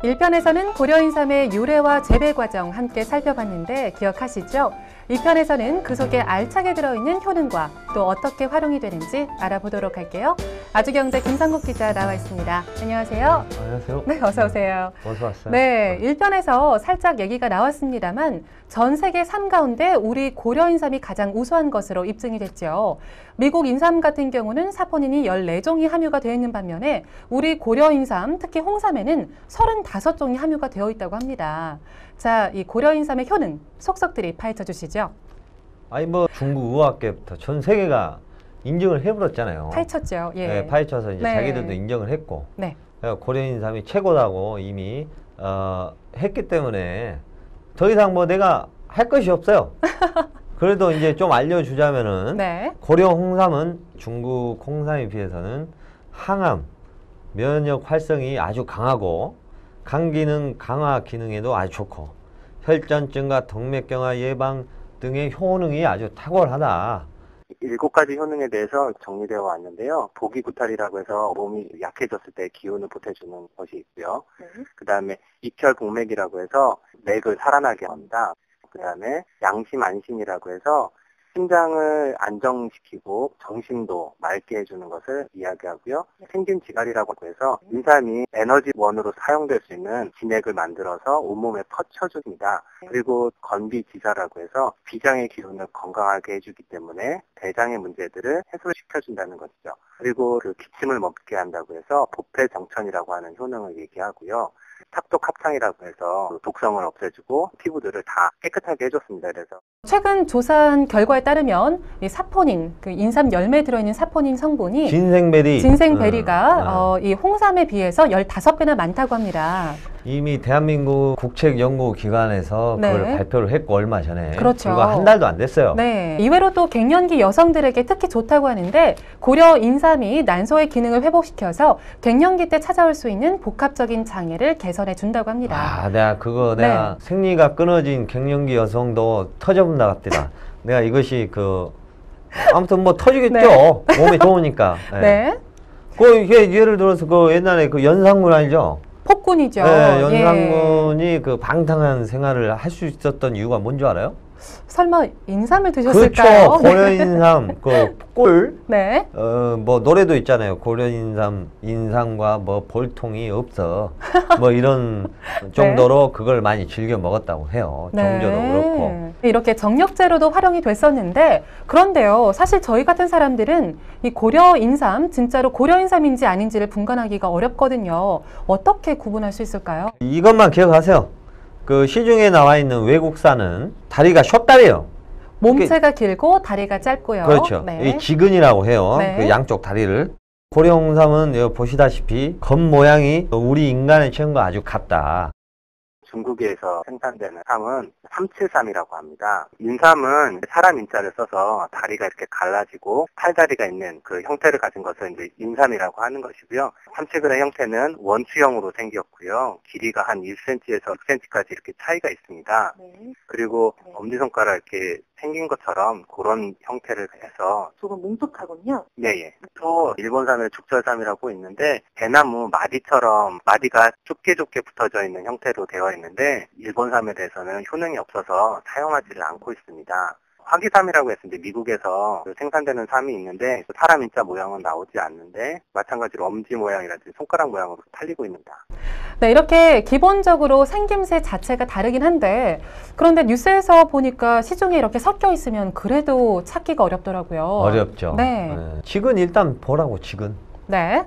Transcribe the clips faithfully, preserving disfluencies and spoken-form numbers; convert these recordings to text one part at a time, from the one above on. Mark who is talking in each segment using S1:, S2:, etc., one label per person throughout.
S1: 일 편에서는 고려인삼의 유래와 재배 과정 함께 살펴봤는데 기억하시죠? 이 편에서는 그 속에 알차게 들어있는 효능과 또 어떻게 활용이 되는지 알아보도록 할게요. 아주경제 김상국 기자 나와 있습니다. 안녕하세요.
S2: 안녕하세요.
S1: 네, 어서 오세요.
S2: 어서 왔어요.
S1: 네, 일 편에서 살짝 얘기가 나왔습니다만 전 세계 삶 가운데 우리 고려인삼이 가장 우수한 것으로 입증이 됐죠. 미국 인삼 같은 경우는 사포닌이 열네 종이 함유가 되어 있는 반면에 우리 고려인삼, 특히 홍삼에는 서른다섯 종이 함유가 되어 있다고 합니다. 자, 이 고려인삼의 효능 속속들이 파헤쳐 주시죠.
S2: 아니 뭐 중국 의학계부터 전 세계가 인정을 해버렸잖아요.
S1: 파헤쳤죠. 예.
S2: 네, 파헤쳐서 이제
S1: 네.
S2: 자기들도 인정을 했고,
S1: 네.
S2: 고려인삼이 최고다고 이미 어, 했기 때문에 더 이상 뭐 내가 할 것이 없어요. 그래도 이제 좀 알려주자면은
S1: 네.
S2: 고려 홍삼은 중국 홍삼에 비해서는 항암, 면역 활성이 아주 강하고 간 기능 강화 기능에도 아주 좋고 혈전증과 동맥경화 예방 등의 효능이 아주 탁월하다.
S3: 일곱 가지 효능에 대해서 정리되어 왔는데요. 보기구탈이라고 해서 몸이 약해졌을 때 기운을 보태주는 것이 있고요. 네. 그 다음에 익혈공맥이라고 해서 맥을 살아나게 합니다. 그 다음에 양심안심이라고 해서 심장을 안정시키고 정신도 맑게 해주는 것을 이야기하고요. 생균지갈이라고 해서 인삼이 에너지원으로 사용될 수 있는 진액을 만들어서 온몸에 퍼쳐줍니다. 그리고 건비지사라고 해서 비장의 기운을 건강하게 해주기 때문에 대장의 문제들을 해소시켜준다는 것이죠. 그리고 그 기침을 멈게 한다고 해서 보폐정천이라고 하는 효능을 얘기하고요. 탁독합창이라고 해서 독성을 없애주고 피부들을 다 깨끗하게 해줬습니다. 그래서
S1: 최근 조사한 결과에 따르면 이 사포닌, 그 인삼 열매에 들어있는 사포닌 성분이
S2: 진생베리,
S1: 진생베리가
S2: 음, 음.
S1: 어, 이 홍삼에 비해서 열다섯 배나 많다고 합니다.
S2: 이미 대한민국 국책연구기관에서
S1: 네.
S2: 그걸 발표를 했고 얼마 전에
S1: 그렇죠.
S2: 불과 한 달도 안 됐어요.
S1: 네. 이외로 또 갱년기 여성들에게 특히 좋다고 하는데 고려 인삼이 난소의 기능을 회복시켜서 갱년기 때 찾아올 수 있는 복합적인 장애를 개선해 준다고 합니다.
S2: 아, 내가 그거 내가 네. 생리가 끊어진 갱년기 여성도 터져본다 같더라. 내가 이것이 그 아무튼 뭐 터지겠죠. 네. 몸에 좋으니까. 네. 네. 그 이게 예를 들어서 그 옛날에 그 연상군 알죠?
S1: 폭군이죠.
S2: 네, 연상군이 예. 그 방탕한 생활을 할 수 있었던 이유가 뭔 줄 알아요?
S1: 설마 인삼을 드셨을까요?
S2: 그렇죠. 고려인삼 그 꿀.
S1: 네.
S2: 어, 뭐 노래도 있잖아요. 고려인삼 인삼과 뭐 볼통이 없어. 뭐 이런 정도로 네. 그걸 많이 즐겨 먹었다고 해요.
S1: 네.
S2: 정조도 그렇고.
S1: 이렇게 정력제로도 활용이 됐었는데 그런데요. 사실 저희 같은 사람들은 이 고려인삼 진짜로 고려인삼인지 아닌지를 분간하기가 어렵거든요. 어떻게 구분할 수 있을까요?
S2: 이것만 기억하세요. 그 시중에 나와 있는 외국산은 다리가 숏다리예요.
S1: 몸체가 길고 다리가 짧고요.
S2: 그렇죠.
S1: 네.
S2: 이 지근이라고 해요.
S1: 네.
S2: 그 양쪽 다리를. 고려홍삼은 여기 보시다시피 겉 모양이 우리 인간의 체형과 아주 같다.
S3: 중국에서 생산되는 삼은 삼칠삼이라고 합니다. 인삼은 사람 인자를 써서 다리가 이렇게 갈라지고 팔다리가 있는 그 형태를 가진 것을 이제 인삼이라고 하는 것이고요. 삼칠근의 형태는 원추형으로 생겼고요. 길이가 한 일 센티미터에서 육 센티미터까지 이렇게 차이가 있습니다. 네. 그리고 네. 엄지손가락 이렇게 생긴 것처럼 그런 형태를 해서
S4: 조금 뭉툭하군요.
S3: 네, 예. 또 일본산을 죽절삼이라고 있는데 대나무 마디처럼 마디가 좁게 좁게 붙어져 있는 형태로 되어 있는데 일본삼에 대해서는 효능이 없어서 사용하지를 않고 있습니다. 화기삼이라고 해서 이제 미국에서 생산되는 삼이 있는데 사람 인자 모양은 나오지 않는데 마찬가지로 엄지 모양이라든지 손가락 모양으로 팔리고 있습니다.
S1: 네, 이렇게 기본적으로 생김새 자체가 다르긴 한데 그런데 뉴스에서 보니까 시중에 이렇게 섞여 있으면 그래도 찾기가 어렵더라고요.
S2: 어렵죠.
S1: 네.
S2: 네. 지근 일단 보라고 지근.
S1: 네.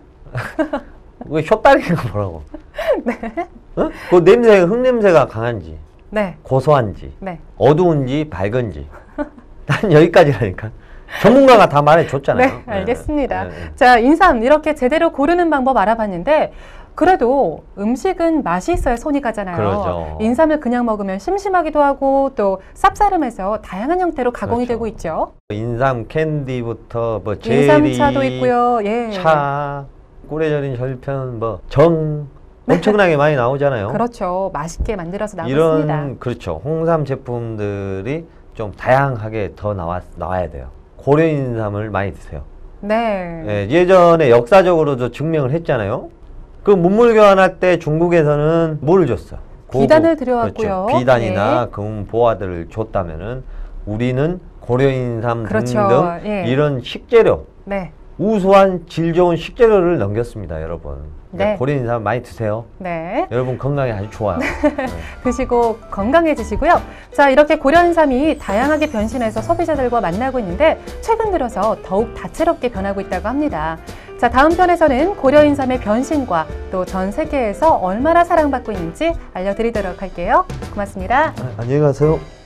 S2: 왜 숏다리가 보라고.
S1: 네.
S2: 어? 그 냄새, 흙냄새가 강한지.
S1: 네.
S2: 고소한지.
S1: 네.
S2: 어두운지 밝은지. 난 여기까지라니까. 전문가가 다 말해줬잖아요.
S1: 네, 알겠습니다.
S2: 네, 네, 네.
S1: 자, 인삼 이렇게 제대로 고르는 방법 알아봤는데 그래도 음식은 맛이 있어야 손이 가잖아요.
S2: 그러죠.
S1: 인삼을 그냥 먹으면 심심하기도 하고 또 쌉싸름해서 다양한 형태로 가공이
S2: 그렇죠.
S1: 되고 있죠.
S2: 인삼 캔디부터 뭐 제리,
S1: 인삼차도 있고요. 예.
S2: 차, 꿀에 절인 절편, 뭐 정 엄청나게 많이 나오잖아요.
S1: 그렇죠. 맛있게 만들어서 나오고
S2: 이런
S1: 있습니다.
S2: 그렇죠. 홍삼 제품들이 좀 다양하게 더 나와, 나와야 돼요. 고려인삼을 많이 드세요.
S1: 네.
S2: 예, 예전에 역사적으로도 증명을 했잖아요. 그 문물 교환할 때 중국에서는 뭘 줬어? 고급,
S1: 비단을 들여왔고요.
S2: 그렇죠. 비단이나
S1: 네.
S2: 금 보화들을 줬다면은 우리는 고려인삼
S1: 그렇죠.
S2: 등등
S1: 예.
S2: 이런 식재료,
S1: 네.
S2: 우수한 질 좋은 식재료를 넘겼습니다, 여러분. 그러니까
S1: 네.
S2: 고려인삼 많이 드세요.
S1: 네.
S2: 여러분 건강에 아주 좋아요. 네.
S1: 드시고 건강해지시고요. 자, 이렇게 고려인삼이 다양하게 변신해서 소비자들과 만나고 있는데 최근 들어서 더욱 다채롭게 변하고 있다고 합니다. 자, 다음 편에서는 고려인삼의 변신과 또 전 세계에서 얼마나 사랑받고 있는지 알려드리도록 할게요. 고맙습니다.
S2: 안녕히 가세요.